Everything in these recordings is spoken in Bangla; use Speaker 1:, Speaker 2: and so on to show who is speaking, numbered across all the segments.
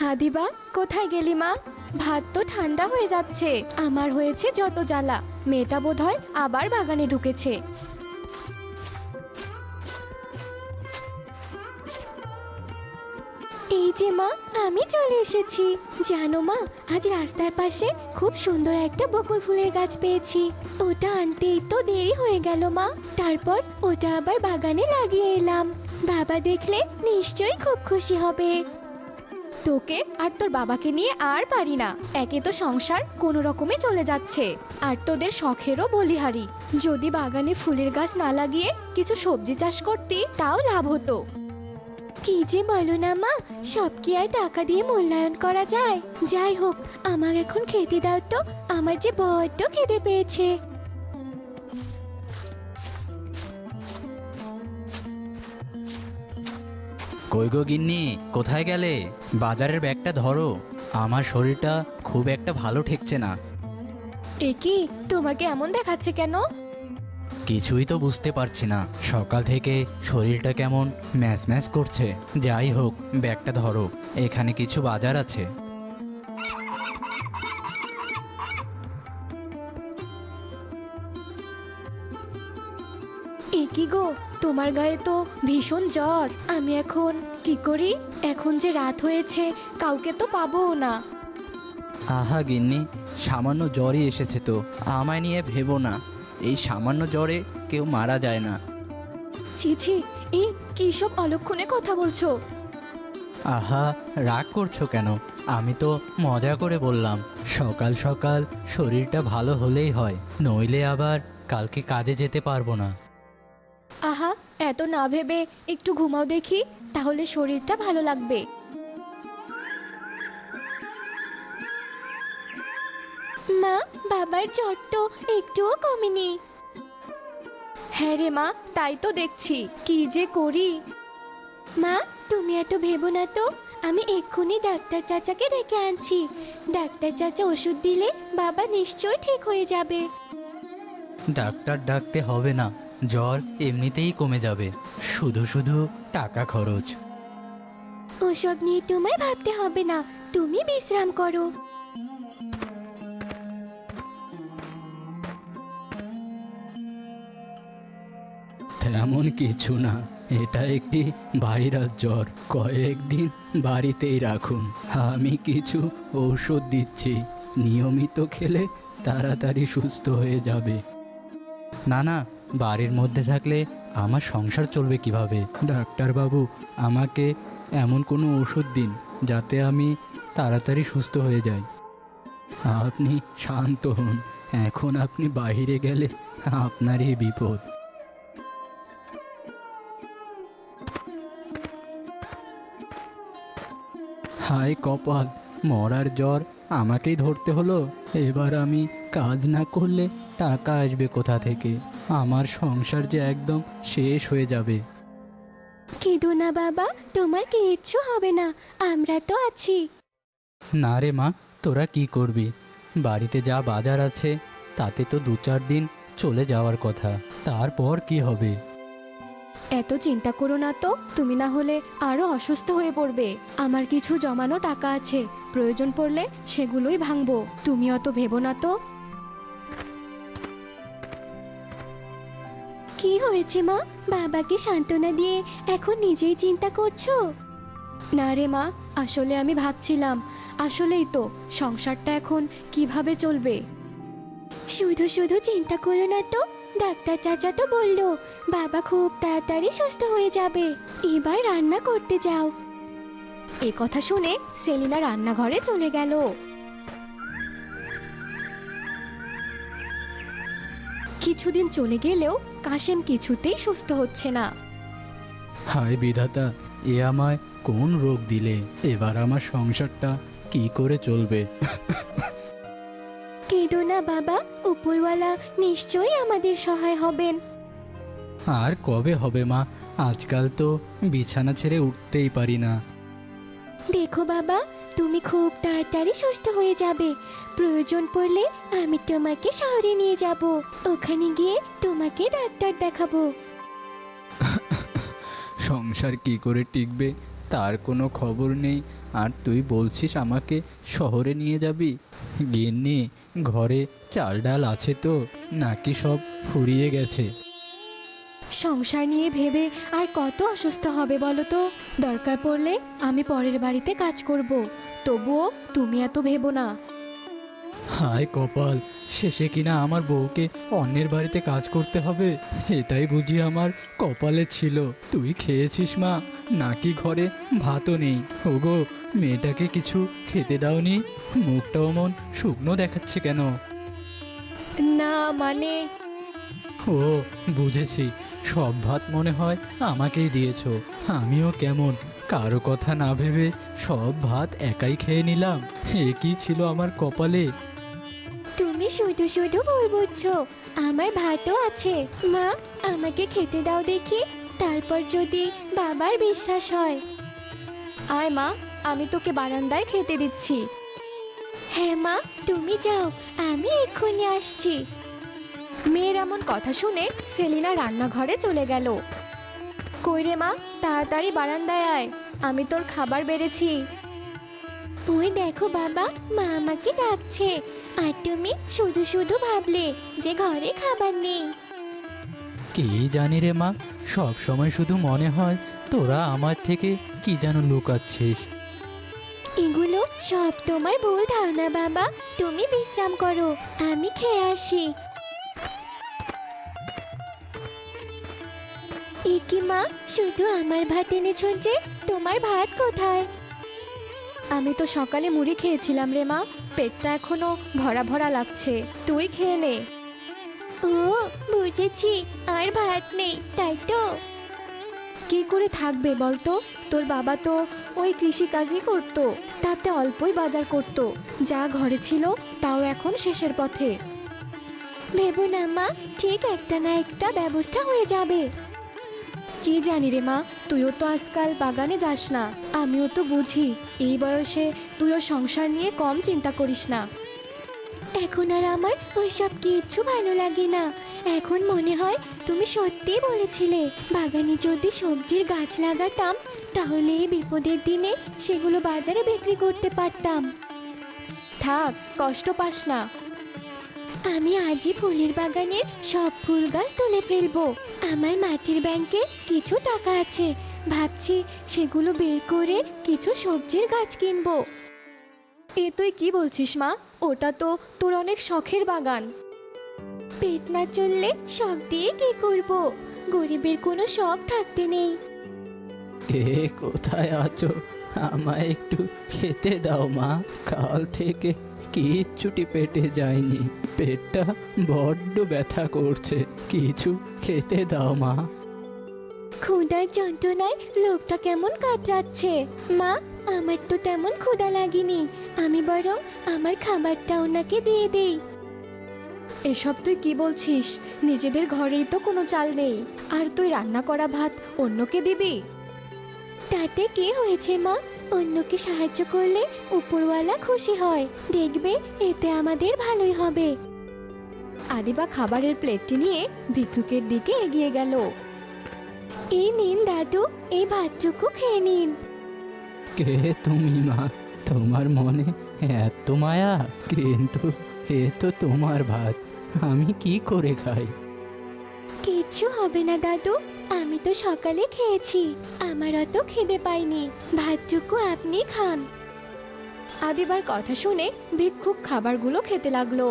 Speaker 1: হাদিবা, কোথায় গেলি মা? ভাত তো ঠান্ডা হয়ে যাচ্ছে। আমার হয়েছে যত জ্বালা। মেয়েটা বোধহয় আবার বাগানে ঢুকেছে। এই যে মা, আমি চলে এসেছি। জানো মা, আজ রাস্তার পাশে খুব সুন্দর একটা বকুল ফুলের গাছ পেয়েছি। ওটা আনতেই তো দেরি হয়ে গেল মা। তারপর ওটা আবার বাগানে লাগিয়ে এলাম। বাবা দেখলে নিশ্চয়ই খুব খুশি হবে। তোকে আর তোর বাবাকে নিয়ে আর পারি না। একে তো সংসার কোনো রকমে চলে যাচ্ছে, আর তোদের শখেরও বলিহারি। যদি বাগানে ফুলের গাছ না লাগিয়ে কিছু সবজি চাষ করতি, তাও লাভ হতো। কি যে বলো না মা, সব কি আর টাকা দিয়ে মূল্যায়ন করা যায়? যাই হোক, আমার এখন খেতে দাও তো, আমার যে বড্ড খিদে পেয়েছে।
Speaker 2: কই গো গিন্নি, কোথায় গেলে? বাজারের ব্যাগটা ধরো, আমার শরীরটা খুব একটা ভালো ঠেকছে না।
Speaker 1: এ কি, তোমাকে এমন দেখাচ্ছে কেন?
Speaker 2: কিছুই তো বুঝতে পারছি না, সকাল থেকে শরীরটা কেমন ম্যাচ ম্যাচ করছে। যাই হোক, ব্যাগটা ধরো, এখানে কিছু বাজার আছে।
Speaker 1: এ কি গো, তোমার গায়ে তো ভীষণ জ্বর। আমি এখন কি করি? এখন যে রাত হয়েছে, কাউকে তো পাবো না।
Speaker 2: আহা গিন্নি, সামান্য জ্বরই এসেছে তো, আমায় নিয়ে ভেবো না। এই সামান্য জ্বরে কেউ মারা যায় না।
Speaker 1: ছি ছি, এই কি সব অলক্ষণে কথা বলছো?
Speaker 2: আহা, রাগ করছো কেন? আমি তো মজা করে বললাম। সকাল সকাল শরীরটা ভালো হলেই হয়, নইলে আবার কালকে কাজে যেতে পারবো না।
Speaker 1: আহা, এত না ভেবে একটু ঘুমাও দেখি, তাহলে শরীরটা ভালো লাগবে। মা, বাবার জ্বর তো একটুও কমেনি। হ্যাঁ রে মা, তাই তো দেখছি। কি যে করি। মা, তুমি এত ভেবো না তো। আমি এক্ষুনি ডাক্তার চাচাকে ডেকে আনছি। ডাক্তার চাচা ওষুধ দিলে বাবা নিশ্চয়ই ঠিক হয়ে যাবে।
Speaker 2: ডাক্তার ডাকতে হবে না, জ্বর এমনিতেই কমে যাবে। শুধু শুধু টাকা খরচ।
Speaker 1: ওসব নিয়ে তোমায় ভাবতে হবে না, তুমি বিশ্রাম করো।
Speaker 2: তেমন কিছু না, এটা একটি ভাইরাস জ্বর। কয়েকদিন বাড়িতেই রাখুন, আমি কিছু ঔষধ দিচ্ছি, নিয়মিত খেলে তাড়াতাড়ি সুস্থ হয়ে যাবে। না না, বাড়ির মধ্যে থাকলে আমার সংসার চলবে কিভাবে? ডাক্তারবাবু, আমাকে এমন কোনো ওষুধ দিন যাতে আমি তাড়াতাড়ি সুস্থ হয়ে যাই। আপনি শান্ত হন, এখন আপনি বাইরে গেলে আপনারই বিপদ। হায় কপাল, মরার জ্বর আমাকেই ধরতে হলো। এবার আমি কাজ না করলে টাকা আসবে কোথা থেকে? আমার সংসার যে একদম শেষ হয়ে যাবে।
Speaker 1: কেঁদো না বাবা, তোমার কিচ্ছু হবে না, আমরা তো আছি।
Speaker 2: না রে মা, তোরা কি করবি? বাড়িতে যা বাজার আছে তাতে তো 2-4 দিন চলে যাওয়ার কথা, তারপর কি হবে?
Speaker 1: এত চিন্তা করো না তো, তুমি না হলে আরো অসুস্থ হয়ে পড়বে। আমার কিছু জমানো টাকা আছে, প্রয়োজন পড়লে সেগুলোই ভাঙবো। তুমি অত ভেবো না তো। কি হয়েছে মা? বাবাকে সান্ত্বনা দিয়ে এখন নিজেই চিন্তা করছো? না রে মা, আসলে আমি ভাবছিলাম, আসলেই তো সংসারটা এখন কিভাবে চলবে। শুধু শুধু চিন্তা করো না তো, ডাক্তার চাচা তো বললো বাবা খুব তাড়াতাড়ি সুস্থ হয়ে যাবে। এবার রান্না করতে যাও। এ কথা শুনে সেলিনা রান্নাঘরে চলে গেল। কিছুদিন চলে গেলেও কাশেম কিছুতেই সুস্থ হচ্ছে না।
Speaker 2: হায় বিধাতা, এ আমায় কোন রোগ দিলে? এবার আমার সংসারটা কি করে চলবে?
Speaker 1: কেঁদো না বাবা, উপরওয়ালা নিশ্চয়ই আমাদের সহায় হবেন।
Speaker 2: আর কবে হবে মা? আজকাল তো বিছানা ছেড়ে উঠতেই পারি না।
Speaker 1: দেখো বাবা, তুমি খুব তাড়াতাড়ি সুস্থ হয়ে যাবে। প্রয়োজন পড়লে আমি তোমাকে শহরে নিয়ে যাব, ওখানে গিয়ে তোমাকে ডাক্তার দেখাবো।
Speaker 2: সংসার কি করে টিকবে? তার কোনো খবর নেই, আর তুই বলছিস আমাকে শহরে নিয়ে যাবি? গিন্নি, ঘরে চাল ডাল আছে তো, নাকি সব ফুরিয়ে গেছে?
Speaker 1: সংসার নিয়ে ভেবে আর কত অসুস্থ হবে বলো তো? দরকার পড়লে আমি পরের বাড়িতে কাজ করব, তবুও তুমি এত ভেবো না।
Speaker 2: হায় কপাল, শেষে কিনা আমার বউকে অন্যের বাড়িতে কাজ করতে হবে। এটাই বুঝি আমার কপালে ছিল। তুই খেয়েছিস মা, নাকি ঘরে ভাতও নেই? ওগো, মেয়েটাকে কিছু খেতে দাওনি? মুখটা অমন শুকনো দেখাচ্ছে কেন?
Speaker 1: না মানে,
Speaker 2: ও, বুঝেছি, সব ভাত মনে হয় আমাকেই দিয়েছো। আমিও কেমন কারো কথা না ভেবে সব ভাত একাই খেয়ে নিলাম। এ কি ছিল আমার কপালে?
Speaker 1: তুমি শুধু শুধু ভুল বুঝছো, আমার ভাতও আছে। মা, আমাকে খেতে দাও দেখি, তারপর যদি বাবার বিশ্বাস হয়। আয় মা, আমি তোকে বারান্দায় খেতে দিচ্ছি। হ্যাঁ মা, তুমি যাও, আমি এক্ষুনি আসছি। মেয়ের এমন কথা শুনে সেলিনা রান্নাঘরে চলে গেল। কই রে মা, তাড়াতাড়ি বারান্দায় আয়, আমি তোর খাবার বেড়েছি। ওই দেখো বাবা, মা আমাকে ডাকছে, আর তুমি শুধু শুধু ভাবলে যে ঘরে খাবার নেই।
Speaker 2: কি জানি রে মা, সব সময় শুধু মনে হয় তোরা আমার থেকে কি যেন লুকাচ্ছিস।
Speaker 1: এগুলো সব তোমার ভুল ধারণা বাবা, তুমি বিশ্রাম করো, আমি খেয়ে আসি। একি মা, শুধু আমার ভাত এনেছ যে, তোমার ভাত কোথায়? আমি তো সকালে মুড়ি খেয়েছিলাম রে মা, পেটটা এখনো ভরা ভরা লাগছে, তুই খেয়ে নে। ও, বুঝেছি, আর ভাত নেই তাই তো? কি করে থাকবে বলতো? তোর বাবা তো ওই কৃষিকাজই করতো, তাতে অল্পই বাজার করতো, যা ঘরে ছিল তাও এখন শেষের পথে। ভেবো না মা, ঠিক একটা না একটা ব্যবস্থা হয়ে যাবে। কি জানি রে মা, তুইও তো আজকাল বাগানে যাস না, আমিও তো বুঝি, এই বয়সে তুইও সংসার নিয়ে কম চিন্তা করিস না। এখন আর আমার ওইসব কিচ্ছু ভালো লাগে না। এখন মনে হয় তুমি সত্যিই বলেছিলে, বাগানে যদি সবজির গাছ লাগাতাম তাহলে এই বিপদের দিনে সেগুলো বাজারে বিক্রি করতে পারতাম। থাক, কষ্ট পাস না, আমি আজই ফুলের বাগানের সব ফুল গাছ তুলে ফেলবো। আমার মাটির ব্যাংকে কিছু টাকা আছে, ভাবছি সেগুলো বের করে কিছু সবজির গাছ কিনবো। এ তুই কি বলছিস মা? ওটা তো তোর অনেক শখের বাগান। পেট না চললে শখ দিয়ে কি করব? গরিবের কোনো শখ থাকতে নেই।
Speaker 2: কে কোথায় আছো? আমায় একটু খেতে দাও মা, কাল থেকে কিচ্ছুটি পেটে যায়নি, পেটটা বড্ড ব্যথা করছে, কিছু খেতে দাও মা।
Speaker 1: ক্ষুধার যন্ত্রণায় লোকটা কেমন কাতরাচ্ছে। মা, আমার তো তেমন ক্ষুধা লাগেনি, আমি বরং আমার খাবারটা ওনাকে দিয়ে দেই। এসব তুই কি বলছিস? নিজেদের ঘরেই তো কোনো চাল নেই, আর তুই রান্না করা ভাত অন্যকে দিবি? তাতে কি হয়েছে মা? অন্যকে সাহায্য করলে উপরওয়ালা খুশি হয়, দেখবে এতে আমাদের ভালোই হবে। আদিবা খাবারের প্লেটটি নিয়ে ভিক্ষুকের দিকে এগিয়ে গেল। এই নিন দাদু, এই ভাতটুকু খেয়ে নিন।
Speaker 2: কে তুমি মা? তোমার মনে এত মায়া? কিন্তু এ তো তোমার ভাত, আমি কি করে খাই?
Speaker 1: কিচ্ছু হবে না দাদু, আমি তো সকালে খেয়েছি, আমার অত খিদে পাইনি, ভাতটুকু আপনি খান। আদিবার কথা শুনে ভিক্ষুক খাবারগুলো খেতে লাগলো।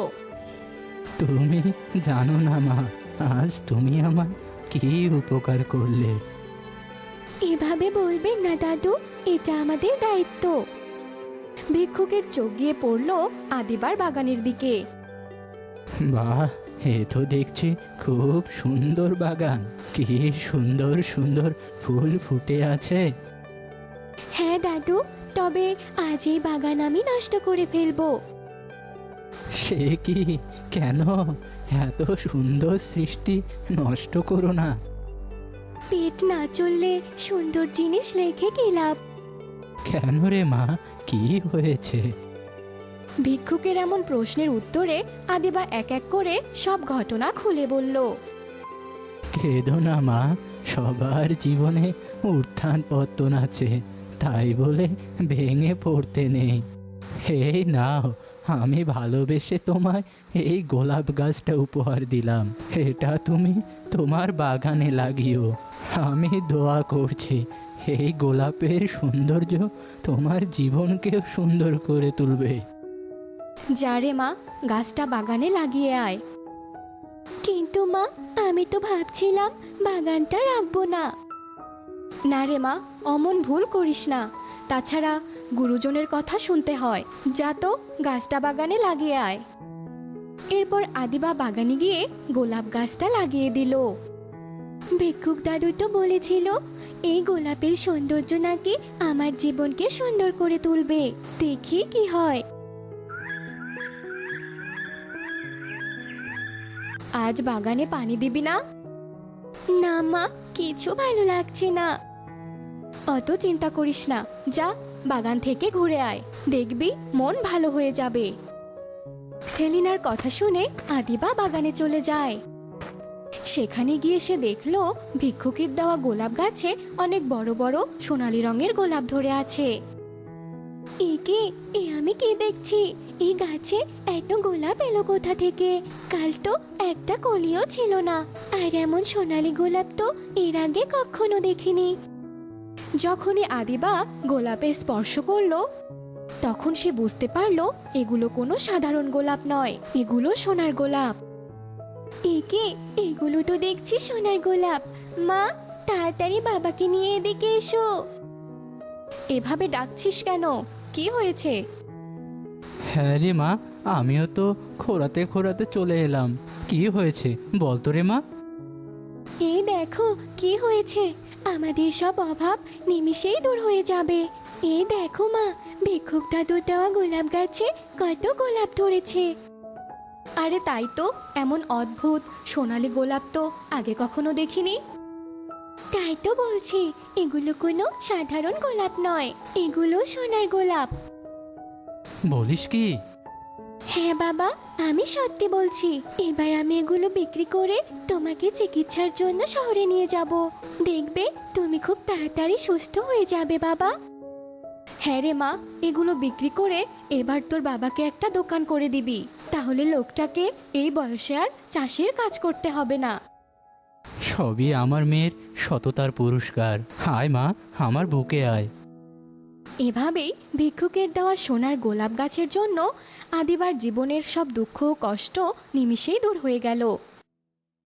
Speaker 2: তুমি জানো না মা, আজ তুমি আমার কি উপকার করলে।
Speaker 1: এভাবে বলবেন না দাদু, এটা আমাদের দায়িত্ব। ভিক্ষুকের চোখ গিয়ে পড়লো আদিবার বাগানের দিকে।
Speaker 2: বাহ, এ তো দেখছি খুব সুন্দর বাগান, কি সুন্দর সুন্দর ফুল ফুটে আছে।
Speaker 1: হ্যাঁ দাদু, তবে আজ এই বাগান আমি নষ্ট করে ফেলবো।
Speaker 2: সে কি? কেন? এত সুন্দর সৃষ্টি নষ্ট করো না।
Speaker 1: পেট না চললে সুন্দর জিনিস রেখে কি লাভ?
Speaker 2: কেন রে মা, কি হয়েছে?
Speaker 1: ভিক্ষুকের এমন প্রশ্নের উত্তরে আদিবা এক এক করে সব ঘটনা খুলে বলল।
Speaker 2: কেঁদো না মা, সবার জীবনে উত্থান পতন আছে, তাই বলে ভেঙে পড়তে নেই। এই নাও, আমি ভালোবেসে তোমায় এই গোলাপ গাছটা উপহার দিলাম। এটা তুমি তোমার বাগানে লাগিও। আমি দোয়া করছি এই গোলাপের সৌন্দর্য তোমার জীবনকেও সুন্দর করে তুলবে।
Speaker 1: যা রে মা, গাছটা বাগানে লাগিয়ে আয়। কিন্তু মা, আমি তো ভাবছিলাম বাগানটা রাখবো না। না রে মা, অমন ভুল করিস না। তাছাড়া গুরুজনের কথা শুনতে হয়। যা তো গাছটা বাগানে লাগিয়ে আয়। এরপর আদিবা বাগানে গিয়ে গোলাপ গাছটা লাগিয়ে দিল। ভিক্ষুক দাদু তো বলেছিল এই গোলাপের সৌন্দর্য নাকি আমার জীবনকে সুন্দর করে তুলবে। দেখি কি হয়। আজ বাগানে পানি দিবি না? না মা, কিছু ভালো লাগছে না। অত চিন্তা করিস না, যা বাগান থেকে ঘুরে আয়, দেখবি মন ভালো হয়ে যাবে। সেলিনার কথা শুনে আদিবা বাগানে চলে যায়। সেখানে গিয়ে সে দেখলো ভিক্ষুকের দেওয়া গোলাপ গাছে অনেক বড় বড় সোনালী রঙের গোলাপ ধরে আছে। আমি কি দেখছি? এই গাছে এত গোলাপ এলো কোথা থেকে? কাল তো একটা কলিও ছিল না। আর এমন সোনালী গোলাপ তো এর আগে কখনো দেখিনি। যখনই আদিবা গোলাপে স্পর্শ করলো তখন সে বুঝতে পারলো এগুলো কোনো সাধারণ গোলাপ নয়, এগুলো সোনার গোলাপ। এগুলো তো দেখছি সোনার গোলাপ। মা, তাড়াতাড়ি বাবাকে নিয়ে এদিকে এসো। এভাবে ডাকছিস কেন? কি হয়েছে?
Speaker 2: হ্যাঁ রে মা, আমিও তো খোঁড়াতে খোঁড়াতে চলে এলাম। কি হয়েছে বল তো রে মা।
Speaker 1: এই দেখো কি হয়েছে। আমাদের সব অভাব নিমিষেই দূর হয়ে যাবে। এই দেখো মা, ভিক্ষুক দাদুর দেওয়া গোলাপ গাছে কত গোলাপ ধরেছে। আরে তাই তো, এমন অদ্ভুত সোনালী গোলাপ তো আগে কখনো দেখিনি। তাই তো বলছি, এগুলো কোনো সাধারণ গোলাপ নয়, এগুলো সোনার গোলাপ।
Speaker 2: বলিস কি?
Speaker 1: হ্যাঁ বাবা, আমি সত্যি বলছি। এবার আমি এগুলো বিক্রি করে তোমাকে চিকিৎসার জন্য শহরে নিয়ে যাব। দেখবে তুমি খুব তাড়াতাড়ি সুস্থ হয়ে যাবে বাবা। হ্যাঁ রে মা, এগুলো বিক্রি করে এবার তোর বাবাকে একটা দোকান করে দিবি। তাহলে লোকটাকে এই বয়সে আর চাষের কাজ করতে হবে না।
Speaker 2: সবই আমার মেয়ের সততার পুরস্কার। আয় মা, আমার বুকে আয়।
Speaker 1: এভাবেই ভিক্ষুকের দেওয়া সোনার গোলাপ গাছের জন্য আদিবার জীবনের সব দুঃখ ও কষ্ট নিমিষেই দূর হয়ে গেল।